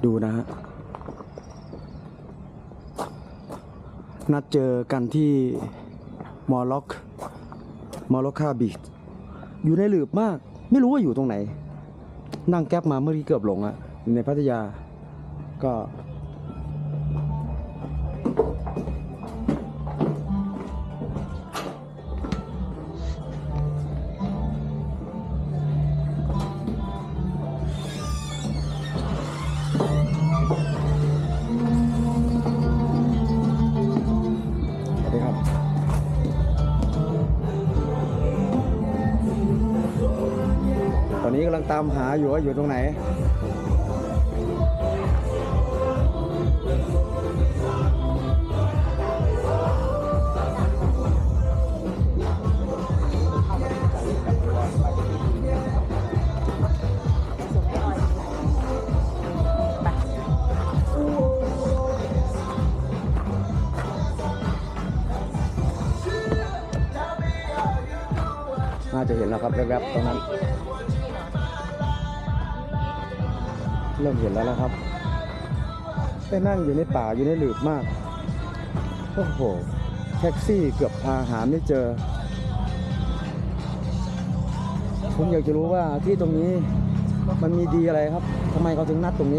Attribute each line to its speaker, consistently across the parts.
Speaker 1: ดูนะฮะนัดเจอกันที่มอล็อกคาบีชอยู่ในหลืบมากไม่รู้ว่าอยู่ตรงไหนนั่งแก๊ปมาเมื่อกี้เกือบหลงอะอยู่ในพัทยาก็ตอนนี้กำลังตามหาอยู่ว่าอยู่ตรงไหนน่าจะเห็นแล้วครับแวบๆตรงนั้นเริ่มเห็นแล้วนะครับไปนั่งอยู่ในป่าอยู่ในหลืบมากโอ้โหแท็กซี่เกือบพาหาไม่เจอผมอยากจะรู้ว่าที่ตรงนี้มันมีดีอะไรครับทำไมเขาถึงนัดตรงนี้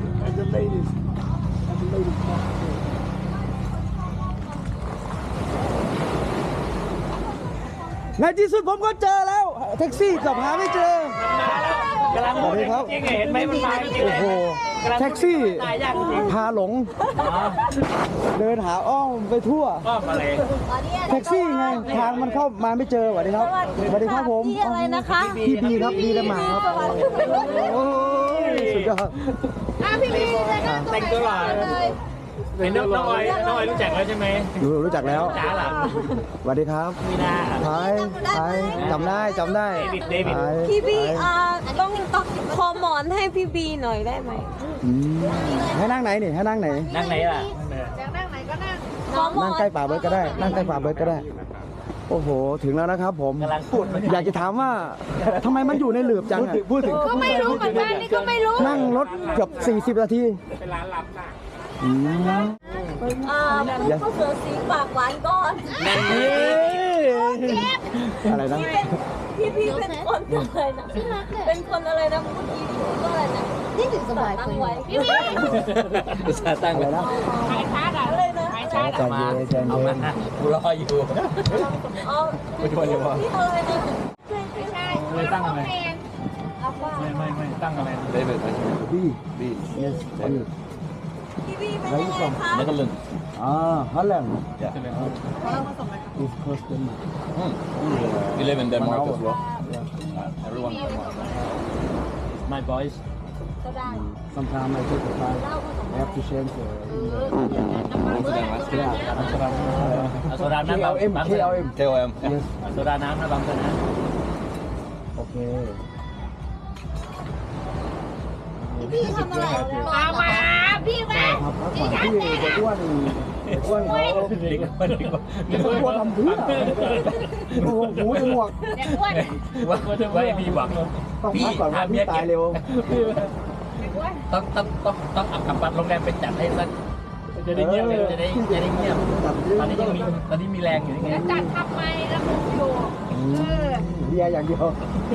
Speaker 1: ในที่สุดผมก็เจอแล้วแท็กซี่เกือบหาไม่เจอกำลังพูดจริงเห็นไหมมันมาจริงโอ้โหแท็กซี่พาหลงเดินหาอ้อมไปทั่วแท็กซี่ไงทางมันเข้ามาไม่เจอสวัสดีครับสวัสดีครับผม
Speaker 2: พี่อะไรนะคะ
Speaker 1: พี่บีครับบีและหมาครับโอ้ยสุดยอด
Speaker 2: พี่บีเลยนะ
Speaker 3: แต่งตัวหล่อเป็นน้องออยรู้จักแล้วใช่ไหม
Speaker 1: รู้จักแล้ว
Speaker 3: จ๋าหล่ะ
Speaker 1: สวัสดีครับ
Speaker 3: มีนา
Speaker 1: ไทยจำได้
Speaker 3: เดวิด
Speaker 2: พี่บีต้องคอหมอนให้พี่บีหน่อยได้ไหม
Speaker 1: ให้นั่งไหนนี่ให้นั่งไหน
Speaker 3: นั่งไหนล่ะ
Speaker 1: นั่งใกล้ป่าเบิร์ดก็ได้นั่งใกล้ป่าเบิร์ดก็ได้โอ้โหถึงแล้วนะครับผม
Speaker 3: กำลังพูด
Speaker 1: อยากจะถามว่าทำไมมันอยู่ในหลืบจังพูดถึง
Speaker 2: ก็ไม่รู้เหมือนกันนี่ก็ไม่รู้
Speaker 1: นั่งรถเกือบ40 นาที
Speaker 3: เป็นร้านลับน่ะ
Speaker 2: ก็เสือสีปากหวานก่อน
Speaker 1: อะไรนะ
Speaker 2: พี่เป็นคนอะไรนะเป็นคนอะไรนะเมื่อกี้ก็อะไรนะนี่ถึงสบายตั้งไว้พี่
Speaker 3: ตั้งเลยนะ
Speaker 2: ขายชาร์ดอะไรนะ
Speaker 1: ใจเย็น
Speaker 3: กูรออยู่ไม่ชวนอยู่วะ
Speaker 2: พี่อะไรนะ
Speaker 3: ไม่ตั้งอะไรไม่ตั้งอะไรเดวิด
Speaker 1: บี yes
Speaker 2: พี่บีไม่ได้ค่ะ
Speaker 3: แล้วก็ลึง
Speaker 1: ฮอลแลนด์
Speaker 3: Is close to me. We live in Denmark as well. Everyone in Denmark. My boys.
Speaker 1: Sometimes I take the time. I have to change the.
Speaker 3: โซดาน้ำบางKLM
Speaker 1: Yes.
Speaker 3: โซดาน้ำนะบางคนนะ
Speaker 1: โอเค
Speaker 2: พี่ทำอะไรมาพี่แม่
Speaker 1: ครับพักผ่อนที่จะอ้วนเขาอ้วนทำเพื่อโอ้โหหูจมูก
Speaker 3: ว่ามีหวัง
Speaker 1: ต้องพักก่อนว่าพี่ตายเร็ว
Speaker 3: ต้องอับกับบัตรโรงแรมไปจัดให้สักจะได้เงียบจะได้เงียบตอนนี้มีแรงอยู่ยังไง
Speaker 2: จัดทำไมแล้วมึงอยู่
Speaker 1: เบียร์อย่างเดียว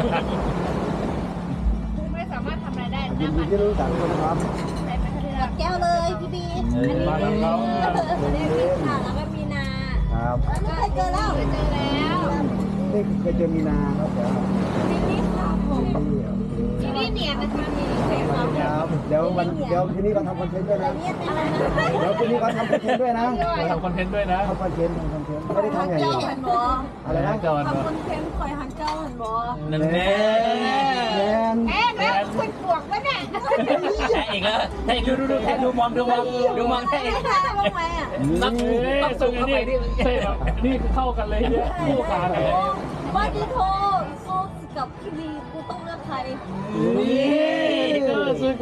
Speaker 2: ไม่สามารถทำอะไรได้
Speaker 1: ยินดีที่รู้จักคนครับ
Speaker 2: แก้วเลยพี่บีอันนี้พี่ค่ะแล้วก็มีนา
Speaker 1: ครับ
Speaker 2: ไม่เคยเจอแล้ว
Speaker 1: นี่เคยเจอมีนาครับ
Speaker 2: นี่ครับผมนี่เนียนนะคะนี่
Speaker 1: ครับเดี๋ยวทีนี้ก็ทำคอนเทนต์ด้วยนะเดี๋ยวทีนี้ก็ทำคอนเทนต์ด้วยนะ
Speaker 3: ทำคอนเทนต์ด้วยนะ
Speaker 1: ทำคอนเทนต์ไม่ได้ทำอย่างเดียวอะไรนะ
Speaker 2: ทำคอนเทนต์คอยหันเจ้าเห็นบ่
Speaker 3: นั่นแน่
Speaker 2: แล้วคุณปวกวะเนี่ย
Speaker 3: แท้อีกแล้วแท้ดูแท้ดูมองแท้อีกนักส่งเข้าไปนี่เข้ากันเลยเนี่ยคู่กันเลย
Speaker 2: ว่าที่โทรสู้กับพี่บีกูต้องเลือกใคร
Speaker 3: นี่ก็สู้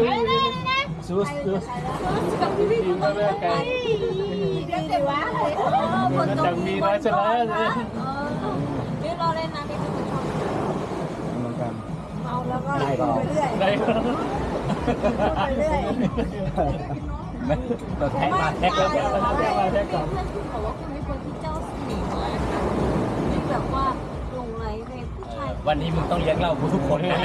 Speaker 2: กับพี่บีกูต้องเลือกใครเดี๋ยวแต่ว่าคนต้องมีน้อยเสร็จแล้วนี่เราเล่นนะนี่คือชอบเมาแล้วก็ไปเรื่อยไปเรื่อย
Speaker 3: เราแท็กมาแท็กแล้วแท็กก่อน
Speaker 2: เพื่อนคุณบอกว่าคุณเป็นคนที่เจ้าสีมากที่แบบว่าลงไลน์ในผู้ชาย
Speaker 3: วันนี้มึงต้องเลี้ยงเหล้ากูทุกคนนะ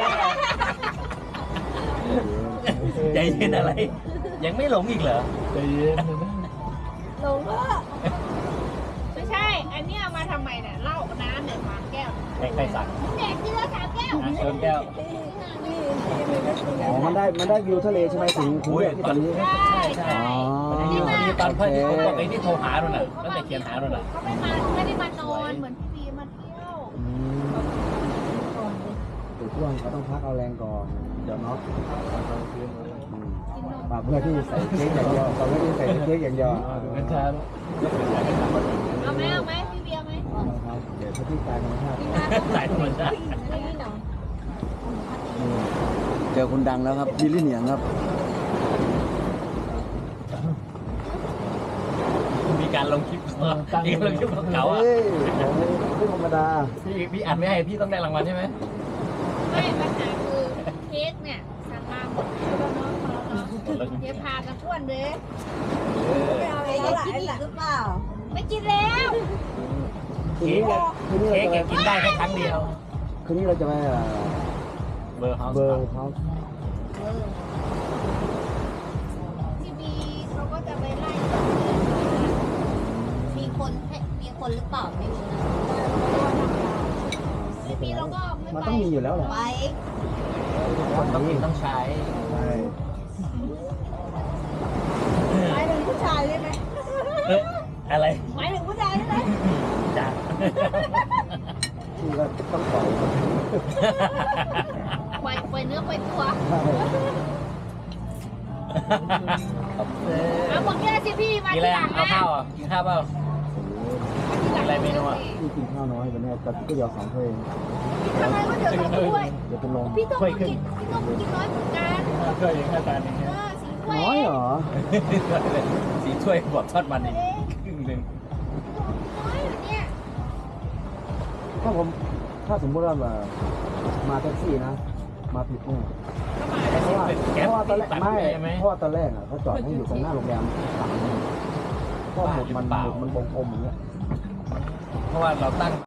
Speaker 3: ใจเย็นอะไร ยังไม่หลงอีกเหรอ
Speaker 4: ใจเย็น
Speaker 2: ลงก็
Speaker 5: ไม่ใช่ อันเนี้ยมาทำไมเนี่ยเหล้าน้ำเนี่ย3 แก้ว
Speaker 3: ใครสั่ง
Speaker 5: แดกทีละ3 แก้ว
Speaker 3: เชิญแก้ว
Speaker 2: นี่มีไม่คุย
Speaker 1: อ๋อมันได้วิวทะเลใช่ไหมถึง
Speaker 3: อุ้ย
Speaker 1: ที่ตอนนี้
Speaker 5: ใช่ใช่
Speaker 1: อ๋อ
Speaker 3: นี่ตอนเพื่อนที่ผมบอกไอ้ที่โทรหาเราน่ะตั้งแต่เขียนหาเราน่ะ
Speaker 5: เขาไม่ได้มานอนเหมือนพี่บีมาเที่ยว
Speaker 1: ติดช่วงเขาต้องพักเอาแรงก่อนเดี๋ยวเนาะปากเพื่อที่ใส่เค้กอย่างเดียวปากเพื่อที่ใส่เค้กอย่างเดียว
Speaker 4: ดูกันช้าแล้ว
Speaker 5: เอาไหมพี่บีเอาไหม
Speaker 1: ครับเดี๋ยวที่กายธรรมชาติ
Speaker 3: สายธรรมชาติ
Speaker 2: นี่เนาะ
Speaker 1: เจอคนดังแล้วครับบิลลี่เหนียงครับ
Speaker 3: มีการลงคลิปมีการลงคลิปของเขาอ่ะ
Speaker 1: เฮ้ยไม่ธรรมดา
Speaker 3: พี่อัดไม่ให้พี่ต้องได้รางวัลใช่ไหม
Speaker 5: ไม่ปัญหาคือเค้กเนี่ยสั่งมาหมดแล้วเนาะเดี๋ยวพากันอ้วนเลย
Speaker 2: ไม่เอาอะไรก็หลายหรือเปล่า
Speaker 5: ไม่กินแล้ว
Speaker 1: คืน
Speaker 3: เค้
Speaker 1: นี้
Speaker 3: กเค้กกินได้แค่ครั้งเดียว
Speaker 1: คืนนี้เราจะไป
Speaker 3: เบอร์เฮาส์
Speaker 1: เบอร์เขา
Speaker 5: พี่บีเขาก็จะไปไล่
Speaker 2: มีคนหรือเปล่าไม่รู้นะ
Speaker 5: พี่บีเราก็ไม่
Speaker 1: มัน
Speaker 5: ไป
Speaker 1: ต้องมีอยู่แล้วแหละ
Speaker 2: ไป
Speaker 3: ต้องกินต้องใช้
Speaker 1: ใช่
Speaker 2: หมายถึงผู้ชายใช่ไหม
Speaker 3: อะไร
Speaker 2: หมายถึงผู้ชายใช่ไหม
Speaker 3: จ้า
Speaker 1: ที่ก็ต้องปล่อย
Speaker 5: ปล่อยเนื้อปล่อยตัว เอาหมดแก้วสิพี่มา
Speaker 3: กิน
Speaker 5: ที
Speaker 3: อะไร
Speaker 5: หลัง
Speaker 3: เอา
Speaker 5: นะ
Speaker 3: ข้าวอ่ะกินข้าวเปล่า อะไรเมนูอะ
Speaker 1: ที่กินข้าวน้อยไปเนี่ยแต่ก็เดี๋ยว2ถ้วย
Speaker 5: ทำไมก็เดี๋ยวต้องด้วย
Speaker 1: เดี๋ยวเป็นลม
Speaker 5: พี่ต้องกินน้อยเหมือนกัน
Speaker 4: เคยอย่างแค่จานนึง
Speaker 5: สีถ้วย
Speaker 1: น้อยเหรอ
Speaker 3: สีถ้วยบอกทอดมันอีกครึ่งหนึ่ง
Speaker 5: น้อยเหรอเนี่ย
Speaker 1: ถ้าสมมติว่ามาแท็กซี่นะ มาผิดเนี่ยเพราะว่า
Speaker 3: แก๊ป
Speaker 1: ตอนแรก
Speaker 3: ตัด
Speaker 1: ไม่
Speaker 3: ใช่ไหม
Speaker 1: เพราะว่าตอนแรกอ่ะเขาจอดให้อยู่ตรงหน้าโรงแรมก็หมุดมันวงกลมอย่างเงี้ย
Speaker 3: เพราะว่าเราตั้ง